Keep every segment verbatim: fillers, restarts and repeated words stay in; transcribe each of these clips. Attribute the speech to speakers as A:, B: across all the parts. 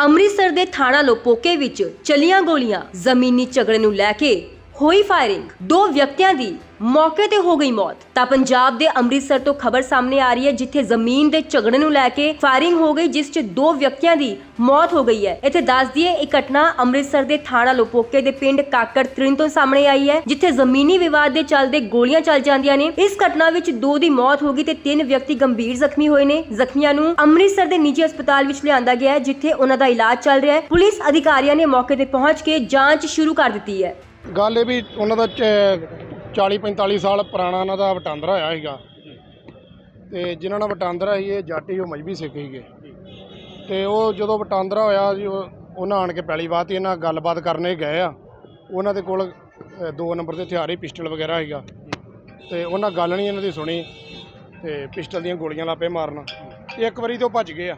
A: ਅੰਮ੍ਰਿਤਸਰ ਦੇ ਥਾਣਾ ਲੋਪੋਕੇ ਵਿੱਚ ਚਲੀਆਂ ਗੋਲੀਆਂ, ਜ਼ਮੀਨੀ ਝਗੜੇ ਨੂੰ ਲੈ ਕੇ ਹੋਈ ਫਾਇਰਿੰਗ, ਦੋ ਵਿਅਕਤੀਆਂ ਦੀ ਮੌਕੇ ਤੇ ਹੋ ਗਈ ਮੌਤ। ਤਾਂ ਪੰਜਾਬ ਦੇ ਅੰਮ੍ਰਿਤਸਰ ਤੋਂ ਖਬਰ ਸਾਹਮਣੇ ਆ ਰਹੀ ਹੈ ਜਿੱਥੇ ਜ਼ਮੀਨ ਦੇ ਝਗੜੇ ਨੂੰ ਲੈ ਕੇ ਫਾਇਰਿੰਗ ਹੋ ਗਈ, ਜਿਸ 'ਚ ਦੋ ਵਿਅਕਤੀਆਂ ਦੀ ਮੌਤ ਹੋ ਗਈ ਹੈ। ਇੱਥੇ ਦੱਸ ਦਈਏ ਇਹ ਘਟਨਾ ਅੰਮ੍ਰਿਤਸਰ ਦੇ ਥਾਣਾ ਲੋਪੋਕੇ ਦੇ ਪਿੰਡ ਕਾਕੜ ਤ੍ਰਿਣ ਤੋਂ ਸਾਹਮਣੇ ਆਈ ਹੈ, ਜਿੱਥੇ ਜ਼ਮੀਨੀ ਵਿਵਾਦ ਦੇ ਚੱਲਦੇ ਗੋਲੀਆਂ ਚੱਲ ਜਾਂਦੀਆਂ ਨੇ। ਇਸ ਘਟਨਾ ਵਿੱਚ ਦੋ ਦੀ ਮੌਤ ਹੋ ਗਈ ਤੇ ਤਿੰਨ ਵਿਅਕਤੀ ਗੰਭੀਰ ਜ਼ਖਮੀ ਹੋਏ ਨੇ। ਜ਼ਖਮੀਆਂ ਨੂੰ ਅੰਮ੍ਰਿਤਸਰ ਦੇ ਨਿੱਜੀ ਹਸਪਤਾਲ ਵਿੱਚ ਲਿਆਂਦਾ ਗਿਆ ਹੈ, ਜਿੱਥੇ ਉਹਨਾਂ ਦਾ ਇਲਾਜ ਚੱਲ ਰਿਹਾ ਹੈ। ਪੁਲਿਸ ਅਧਿਕਾਰੀਆਂ ਨੇ ਮੌਕੇ ਤੇ ਪਹੁੰਚ ਕੇ ਜਾਂਚ ਸ਼ੁਰੂ ਕਰ ਦਿੱਤੀ ਹੈ।
B: ਗੱਲ ਇਹ ਵੀ ਉਹਨਾਂ ਦਾ ਚਾਲੀ ਪੰਤਾਲੀ ਸਾਲ ਪੁਰਾਣਾ ਉਹਨਾਂ ਦਾ ਵਟਾਂਦਰਾ ਹੋਇਆ ਸੀਗਾ, ਤੇ ਜਿਨ੍ਹਾਂ ਨਾਲ ਵਟਾਂਦਰਾ ਸੀ ਇਹ ਜੱਟ ਸੀ, ਉਹ ਮਜ਼੍ਹਬੀ ਸਿੱਖ ਸੀਗੇ। ਤੇ ਉਹ ਜਦੋਂ ਵਟਾਂਦਰਾ ਹੋਇਆ ਜੀ ਉਹਨਾਂ ਆਣ ਕੇ ਪਹਿਲੀ ਵਾਰ ਇਹਨਾਂ ਗੱਲਬਾਤ ਕਰਨੇ ਗਏ ਆ। ਉਹਨਾਂ ਦੇ ਕੋਲ ਦੋ ਨੰਬਰ ਦੇ ਹਥਿਆਰ ਹੀ ਪਿਸਟਲ ਵਗੈਰਾ ਸੀਗਾ, ਤੇ ਉਹਨਾਂ ਗੱਲ ਨਹੀਂ ਇਹਨਾਂ ਦੀ ਸੁਣੀ ਤੇ ਪਿਸਟਲ ਦੀਆਂ ਗੋਲੀਆਂ ਲਾਪੇ ਮਾਰਨ। ਇੱਕ ਵਾਰੀ ਤੋਂ ਭੱਜ ਗਏ ਆ,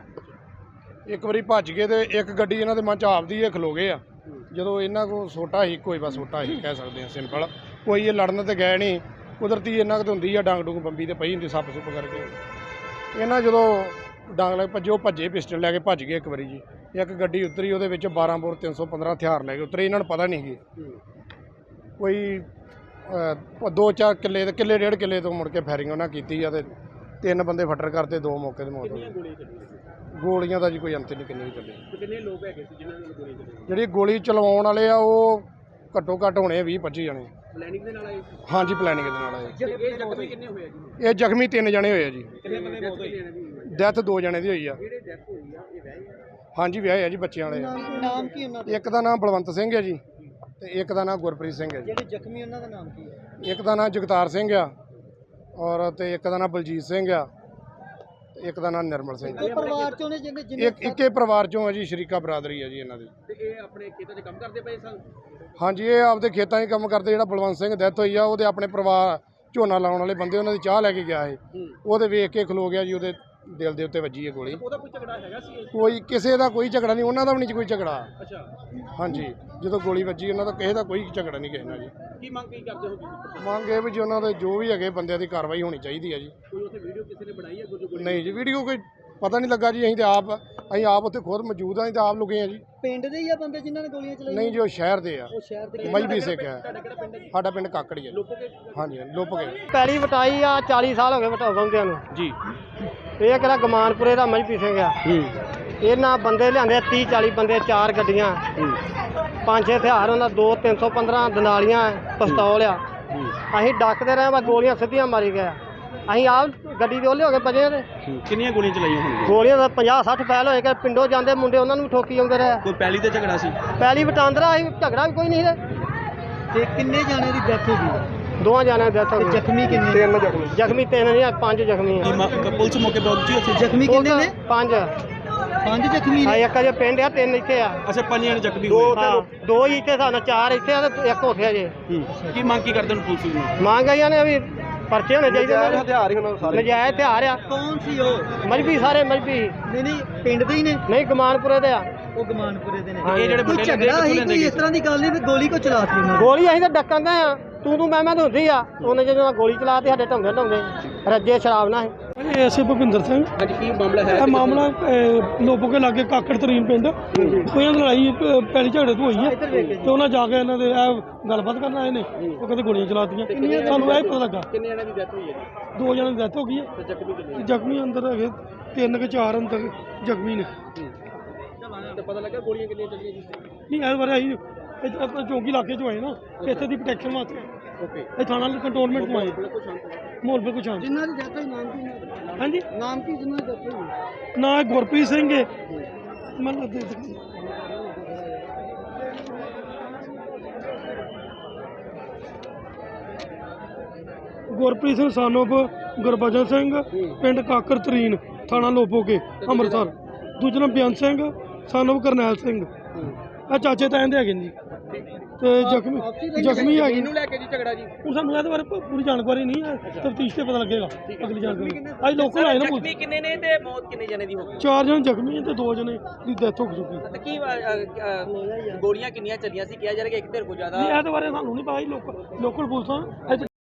B: ਇੱਕ ਵਾਰੀ ਭੱਜ ਗਏ ਤੇ ਇੱਕ ਗੱਡੀ ਇਹਨਾਂ ਦੇ ਮਨ 'ਚ ਆਪਦੀ ਇਹ ਖਲੋ ਗਏ ਆ। ਜਦੋਂ ਇਹਨਾਂ ਕੋਲ ਸੋਟਾ ਹੀ ਕੋਈ ਬਸ ਸੋਟਾ ਹੀ ਕਹਿ ਸਕਦੇ ਹਾਂ, ਸਿੰਪਲ। ਕੋਈ ਇਹ ਲੜਨ ਤੇ ਗਏ ਨਹੀਂ, ਕੁਦਰਤੀ ਇਹਨਾਂ ਕੁ ਹੁੰਦੀ ਆ ਡਾਂਗ ਡੂੰਗ ਬੰਬੀ ਤੇ ਪਈ ਹੁੰਦੀ ਸੱਪ ਸੁੱਪ ਕਰਕੇ। ਇਹਨਾਂ ਜਦੋਂ ਡਾਂਗ ਲੈ ਭੱਜੇ, ਉਹ ਭੱਜੇ ਪਿਸਟਲ ਲੈ ਕੇ ਭੱਜ ਗਏ ਇੱਕ ਵਾਰੀ ਜੀ। ਇੱਕ ਗੱਡੀ ਉਤਰੀ, ਉਹਦੇ ਵਿੱਚ ਬਾਰਾਂ ਬੋਰ ਤਿੰਨ ਸੌ ਪੰਦਰਾਂ ਹਥਿਆਰ ਲੈ ਕੇ ਉਤਰੇ। ਇਹਨਾਂ ਨੂੰ ਪਤਾ ਨਹੀਂ ਸੀ ਕੋਈ ਦੋ ਚਾਰ ਕਿੱਲੇ ਦੇ ਕਿੱਲੇ ਡੇਢ ਕਿੱਲੇ ਤੋਂ ਮੁੜ ਕੇ ਫਾਇਰਿੰਗ ਉਹਨਾਂ ਕੀਤੀ ਆ, ਤੇ ਤਿੰਨ ਬੰਦੇ ਫੱਟਰ ਕਰਤੇ, ਦੋ ਮੌਕੇ ਤੇ ਮੌਤ ਹੋ ਗਈ। ਗੋਲੀਆਂ ਦਾ ਜੀ ਕੋਈ ਅੰਤ ਨਹੀਂ ਕਿੰਨੀ ਚੱਲੀ।
C: ਕਿੰਨੇ ਲੋਕ ਹੈਗੇ ਸੀ ਜਿਨ੍ਹਾਂ ਨੇ ਗੋਲੀ ਚਲਾਈ?
B: ਜਿਹੜੀ ਗੋਲੀ ਚਲਵਾਉਣ ਵਾਲੇ ਆ ਉਹ ਘੱਟੋ ਘੱਟ ਹੋਣੇ ਵੀਹ ਪੱਚੀ ਜਣੇ।
C: ਪਲੈਨਿੰਗ ਦੇ ਨਾਲ ਆਏ ਸੀ?
B: ਹਾਂਜੀ, ਪਲੈਨਿੰਗ ਦੇ ਨਾਲ ਆਏ।
C: ਇਹ ਜ਼ਖਮੀ ਕਿੰਨੇ ਹੋਏ ਆ ਜੀ?
B: ਇਹ ਜ਼ਖਮੀ ਤਿੰਨ ਜਣੇ ਹੋਏ ਆ ਜੀ।
C: ਕਿੰਨੇ ਬੰਦੇ ਮੌਤ ਹੋਈ ਹੈ?
B: ਡੈਥ ਦੋ ਜਣੇ ਦੀ ਹੋਈ ਆ।
C: ਜਿਹੜੇ ਡੈਥ ਹੋਈ ਆ ਇਹ ਵਿਆਹੇ ਆ?
B: ਹਾਂਜੀ, ਵਿਆਹੇ ਆ ਜੀ, ਬੱਚਿਆਂ ਵਾਲੇ।
C: ਨਾਮ ਕੀ ਉਹਨਾਂ ਦਾ?
B: ਇੱਕ ਦਾ ਨਾਮ ਬਲਵੰਤ ਸਿੰਘ ਹੈ ਜੀ, ਤੇ ਇੱਕ ਦਾ ਨਾਮ ਗੁਰਪ੍ਰੀਤ ਸਿੰਘ ਹੈ ਜੀ।
C: ਜਿਹੜੇ ਜ਼ਖਮੀ ਉਹਨਾਂ ਦਾ ਨਾਮ ਕੀ ਹੈ?
B: ਇੱਕ ਦਾ ਨਾਮ ਜਗਤਾਰ ਸਿੰਘ ਆ, ਔਰ ਤੇ ਇੱਕ ਦਾ ਨਾਮ ਬਲਜੀਤ ਸਿੰਘ ਆ, ਤੇ ਇੱਕ ਦਾ ਨਾਮ ਨਿਰਮਲ ਸਿੰਘ।
C: ਇਹ ਪਰਿਵਾਰ ਚੋਂ ਨੇ ਜਿਹਨੇ
B: ਇੱਕ ਇੱਕੇ ਪਰਿਵਾਰ ਚੋਂ ਆ ਜੀ, ਸ਼ਰੀਕਾ ਬਰਾਦਰੀ ਆ ਜੀ ਇਹਨਾਂ ਦੀ।
C: ਤੇ ਇਹ ਆਪਣੇ ਖੇਤਾਂ 'ਚ ਕੰਮ ਕਰਦੇ ਪਏ ਸਨ?
B: ਹਾਂਜੀ, ਇਹ ਆਪਦੇ ਖੇਤਾਂ 'ਚ ਕੰਮ ਕਰਦੇ। ਜਿਹੜਾ ਬਲਵੰਤ ਸਿੰਘ ਡੈਥ ਹੋਈ ਆ, ਉਹਦੇ ਆਪਣੇ ਪਰਿਵਾਰ ਝੋਨਾ ਲਾਉਣ ਵਾਲੇ ਬੰਦੇ ਉਹਨਾਂ ਦੀ ਚਾਹ ਲੈ ਕੇ ਗਿਆ ਸੀ, ਉਹਦੇ ਵੇਖ ਕੇ ਖਲੋ ਗਿਆ ਜੀ, ਉਹਦੇ ਦਿਲ ਦੇ ਉੱਤੇ ਵੱਜੀ ਹੈ ਗੋਲੀ।
C: ਉਹਦਾ ਕੋਈ ਝਗੜਾ ਹੈਗਾ ਸੀ?
B: ਕੋਈ ਕਿਸੇ ਦਾ ਕੋਈ ਝਗੜਾ ਨਹੀਂ, ਉਹਨਾਂ ਦਾ ਵੀ ਨਹੀਂ ਕੋਈ ਝਗੜਾ।
C: ਅੱਛਾ।
B: ਹਾਂਜੀ, ਜਦੋਂ ਗੋਲੀ ਵੱਜੀ ਉਹਨਾਂ ਦਾ ਕਿਸੇ ਦਾ ਕੋਈ ਝਗੜਾ ਨਹੀਂ ਕਿਸੇ ਨਾਲ ਜੀ।
C: ਕੀ ਮੰਗ ਕੀ ਕਰਦੇ ਹੋ ਤੁਸੀਂ?
B: ਮੰਗ ਇਹ ਵੀ ਜੀ ਉਹਨਾਂ ਦੇ ਜੋ ਵੀ ਹੈਗੇ ਬੰਦਿਆਂ ਦੀ ਕਾਰਵਾਈ ਹੋਣੀ ਚਾਹੀਦੀ ਹੈ ਜੀ।
C: ਕੋਈ ਉੱਥੇ ਵੀਡੀਓ ਕਿਸੇ ਨੇ ਬਣਾਈ ਹੈ ਗੁਰਜੋ?
B: ਨਹੀਂ ਜੀ, ਵੀਡੀਓ ਕੋਈ ਪਤਾ ਨਹੀਂ ਲੱਗਾ ਜੀ। ਅਸੀਂ ਤੇ ਆਪ ਅਸੀਂ ਆਪ ਉੱਥੇ ਖੁਦ ਮੌਜੂਦ ਹਾਂ, ਅਸੀਂ ਤਾਂ ਆਪ ਲੁਕੇ ਹਾਂ ਜੀ।
C: ਪਿੰਡ ਦੇ ਹੀ ਆ ਬੰਦੇ ਜਿਨ੍ਹਾਂ ਨੇ ਗੋਲੀਆਂ ਚਲਾਈਆਂ?
B: ਨਹੀਂ ਜੀ, ਉਹ ਸ਼ਹਿਰ ਦੇ ਆ,
C: ਉਹ ਸ਼ਹਿਰ ਦੇ।
B: ਮਜ਼੍ਹਬੀ ਸਿੱਖ ਹੈ।
C: ਤੁਹਾਡਾ ਕਿਹੜਾ ਪਿੰਡ ਹੈ ਜੀ?
B: ਸਾਡਾ ਪਿੰਡ ਕਾਕੜੀ ਹੈ।
C: ਲੋਪੋਕੇ?
B: ਹਾਂਜੀ, ਲੁੱਪ ਗਏ।
D: ਪੈਲੀ ਵਟਾਈ ਆ, ਚਾਲੀ ਸਾਲ ਹੋ ਗਏ ਵਟਾਉਂਦਿਆਂ ਨੂੰ
C: ਜੀ।
D: ਇਹ ਕਿਹੜਾ ਗਮਾਨਪੁਰੇ ਦਾ ਮਜ਼੍ਹਬੀ ਸਿੰਘ ਆ। ਇਹਨਾਂ ਬੰਦੇ ਲਿਆਂਦੇ ਤੀਹ ਚਾਲੀ ਬੰਦੇ, ਚਾਰ ਗੱਡੀਆਂ, ਪੰਜ ਛੇ ਹਥਿਆਰ ਉਹਨਾਂ, ਦੋ ਤਿੰਨ ਸੌ ਪੰਦਰਾਂ ਦਨਾਲੀਆਂ, ਪਿਸਤੌਲ ਆ। ਅਸੀਂ ਡੱਕਦੇ ਰਹੇ, ਬਸ ਗੋਲੀਆਂ ਸਿੱਧੀਆਂ ਮਾਰੀ ਗਏ। ਅਸੀਂ ਆਪ ਗੱਡੀ ਦੇ ਉਹਲੇ ਹੋ ਕੇ ਬਜੇ ਤੇ
C: ਕਿੰਨੀਆਂ ਗੋਲੀਆਂ ਚਲਾਈਆਂ ਹੋਣਗੀਆਂ?
D: ਗੋਲੀਆਂ ਦਾ ਪੰਜਾਹ ਸੱਠ ਫੈਲ ਹੋਏ ਕਿ ਪਿੰਡੋਂ ਜਾਂਦੇ ਮੁੰਡੇ ਉਹਨਾਂ ਨੂੰ ਵੀ ਠੋਕੀ ਆਉਂਦੇ ਰਹੇ।
C: ਕੋਈ ਪੈਲੀ ਤੇ ਝਗੜਾ ਸੀ?
D: ਪੈਲੀ ਵਟਾਂਦਰਾ ਅਸੀਂ, ਝਗੜਾ ਵੀ ਕੋਈ ਨਹੀਂ ਸੀ।
C: ਤੇ ਕਿੰਨੇ ਜਾਣੇ ਦੀ ਡੈਥ ਹੋ ਗਈ?
D: ਦੋਵਾਂ ਜਾਣਿਆਂ ਦੀ ਡੈਥ ਹੋ ਗਈ।
C: ਜ਼ਖਮੀ ਕਿੰਨੇ?
B: ਤਿੰਨ ਜ਼ਖਮੀ।
D: ਜ਼ਖਮੀ ਤਿੰਨ ਨਹੀਂ, ਪੰਜ ਜ਼ਖਮੀ ਆ।
C: ਪੁਲਿਸ ਮੌਕੇ ਪਹੁੰਚੀ ਉੱਥੇ? ਜ਼ਖਮੀ
D: ਕਿੰਨੇ ਨੇ? ਪੰਜ।
C: ਪੰਜ ਜ਼ਖਮੀ
D: ਹਾਂ, ਇੱਕ ਅਜੇ ਪਿੰਡ ਆ, ਤਿੰਨ ਇੱਥੇ ਆ।
C: ਅੱਛਾ, ਪੰਜ ਜਣੇ ਜ਼ਖਮੀ
D: ਦੋ
C: ਹੋਏ।
D: ਦੋ ਹੀ ਇੱਥੇ ਸਾਨੂੰ, ਚਾਰ ਇੱਥੇ ਆ ਤੇ ਇੱਕ ਉੱਥੇ ਜੇ।
C: ਕੀ ਮੰਗ ਕੀ ਕਰਦੇ ਨੇ ਪੁਲਿਸ ਨੂੰ?
D: ਮੰਗ ਆਈਆਂ ਨੇ ਵੀ ਪਰਚੇ ਹੋਣੇ ਚਾਹੀਦੇ ਨੇ।
B: ਹਥਿਆਰ ਹੀ ਉਹਨਾਂ ਦੇ ਸਾਰੇ।
D: ਨਜਾਇਜ਼ ਹਥਿਆਰ ਆ।
C: ਕੌਣ ਸੀ ਉਹ?
D: ਮਜ਼੍ਹਬੀ, ਸਾਰੇ ਮਜ਼੍ਹਬੀ।
C: ਨਹੀਂ ਨਹੀਂ, ਪਿੰਡ ਦੇ ਹੀ ਨੇ?
D: ਨਹੀਂ, ਗਮਾਨਪੁਰੇ ਦੇ ਆ।
C: ਉਹ ਗਮਾਨਪੁਰੇ ਦੇ ਨੇ।
D: ਇਹ ਜਿਹੜੇ
C: ਕੋਈ ਝਗੜਾ ਹੀ ਕੋਈ ਇਸ ਤਰ੍ਹਾਂ ਦੀ ਗੱਲ ਨਹੀਂ ਵੀ ਗੋਲੀ ਕੋ ਚਲਾਤੀ ਉਹਨਾਂ ਨੇ?
D: ਗੋਲੀ ਅਸੀਂ ਤਾਂ ਡੱਕਣ ਦੇ ਆ, ਤੂੰ ਤੂੰ ਮੈਂ ਮੈਂ ਤਾਂ ਹੁੰਦੀ ਆ। ਉਹਨੇ ਜਦੋਂ ਗੋਲੀ ਚਲਾਤੀ ਸਾਡੇ ਢੰਗੇ ਢੰਗੇ ਰੱਜੇ ਸ਼ਰਾਬ ਨਾਲ।
E: ਇਹ ਐਸੇ ਭੁਪਿੰਦਰ ਸਿੰਘ।
C: ਅੱਜ ਕੀ ਮਾਮਲਾ ਹੈ?
E: ਇਹ ਮਾਮਲਾ ਲੋਪੋਕੇ ਲਾਗੇ ਕਾਕੜ ਤਰੀਨ ਪਿੰਡ, ਕੋਈ ਲੜਾਈ ਪ- ਪੈਲੀ ਝਗੜੇ ਤੋਂ ਹੋਈ ਹੈ, ਤੇ ਉਹਨਾਂ ਜਾ ਕੇ ਇਹਨਾਂ ਦੇ ਇਹ ਗੱਲਬਾਤ ਕਰਨ ਆਏ ਨੇ। ਉਹ ਕਹਿੰਦੇ ਗੋਲੀਆਂ ਚਲਾਤੀਆਂ। ਸਾਨੂੰ ਇਹ ਪਤਾ ਲੱਗਾ
C: ਕਿੰਨੇ ਜਣਿਆਂ ਦੀ ਡੈਥ ਹੋਈ ਹੈ?
E: ਦੋ ਜਣਾਂ ਦੀ ਡੈਥ ਹੋ ਗਈ ਹੈ,
C: ਤੇ ਜ਼ਖਮੀ ਕਿੰਨੇ?
E: ਤੇ ਜ਼ਖਮੀ ਅੰਦਰ ਹੈਗੇ ਤਿੰਨ ਕਿ ਚਾਰ ਅੰਦਰ ਜ਼ਖਮੀ ਨੇ।
C: ਤੇ ਪਤਾ ਲੱਗਾ ਗੋਲੀਆਂ ਕਿੰਨੀਆਂ ਚੱਲੀਆਂ ਜੀ?
E: ਨਹੀਂ, ਇਸ ਬਾਰੇ ਅਸੀਂ ਇੱਥੇ ਆਪਾਂ ਚੌਂਕੀ ਇਲਾਕੇ 'ਚ ਆਏ ਨਾ, ਇੱਥੇ ਦੀ ਪ੍ਰੋਟੈਕਸ਼ਨ ਵਾਸਤੇ
C: ਓਕੇ।
E: ਇਹ ਥਾਣਾ ਕੰਟਰੋਲਮੈਂਟ ਤੋਂ ਆਏ।
C: ਬਿਲਕੁਲ ਸ਼ਾਂਤ ਹੈ।
E: ਮਾਹੌਲ ਬਿਲਕੁਲ ਸ਼ਾਂਤ।
C: ਜਿਨ੍ਹਾਂ ਦੀ ਡੈਥ ਹੋਈ ਨਾਮ ਕੀ?
E: ਹਾਂਜੀ,
C: ਨਾਮ ਕੀ ਜਿਨ੍ਹਾਂ ਦੀ ਡੈਥ ਹੋਈ?
E: ਨਾ ਗੁਰਪ੍ਰੀਤ ਸਿੰਘ ਹੈ, ਮੈਨੂੰ ਦੇ ਦੇ ਗੁਰਪ੍ਰੀਤ ਸਿੰਘ ਸਾਨੋਪ ਗੁਰਬਚਨ ਸਿੰਘ, ਪਿੰਡ ਕਾਕਰ ਤਰੀਨ, ਥਾਣਾ ਲੋਪੋਕੇ, ਅੰਮ੍ਰਿਤਸਰ। ਦੂਜਾ ਨਾਮ ਬੇਅੰਤ ਸਿੰਘ ਸਾਨੋਪ ਕਰਨੈਲ ਸਿੰਘ। ਇਹ ਚਾਚੇ ਤਾਇਆਂ ਦੇ ਹੈਗੇ ਨੇ ਜੀ। ਤੇ ਜ਼ਖਮੀ ਜ਼ਖਮੀ ਹੈਗੇ
C: ਇਹਨੂੰ ਲੈ ਕੇ ਜੀ ਝਗੜਾ ਜੀ?
E: ਹੁਣ ਸਾਨੂੰ ਇਹਦੇ ਬਾਰੇ ਪ- ਪੂਰੀ ਜਾਣਕਾਰੀ ਨਹੀਂ ਹੈ, ਤਫਤੀਸ਼ ਤੇ ਪਤਾ ਲੱਗੇਗਾ ਅਗਲੀ ਜਾਣਕਾਰੀ। ਅੱਜ ਲੋਕਲ ਆਏ ਨਾ ਪੁਲਿਸ।
C: ਕਿੰਨੇ ਨੇ ਤੇ ਮੌਤ ਕਿੰਨੇ ਜਣੇ ਦੀ ਹੋ ਗਈ?
E: ਚਾਰ ਜਣੇ ਜ਼ਖਮੀ ਤੇ ਦੋ ਜਣੇ ਦੀ ਡੈਥ ਹੋ ਚੁੱਕੀ।
C: ਤੇ ਕੀ ਗੋਲੀਆਂ ਕਿੰਨੀਆਂ ਚੱਲੀਆਂ ਸੀ? ਕਿਹਾ ਜਾ ਰਿਹਾ ਕਿ ਇੱਕ ਧਿਰ ਕੋ ਜ਼ਿਆਦਾ?
E: ਨਹੀਂ, ਇਹਦੇ ਬਾਰੇ ਸਾਨੂੰ ਨਹੀਂ ਪਤਾ ਜੀ। ਲੋਕਲ ਲੋਕਲ ਪੁਲਿਸ ਆ।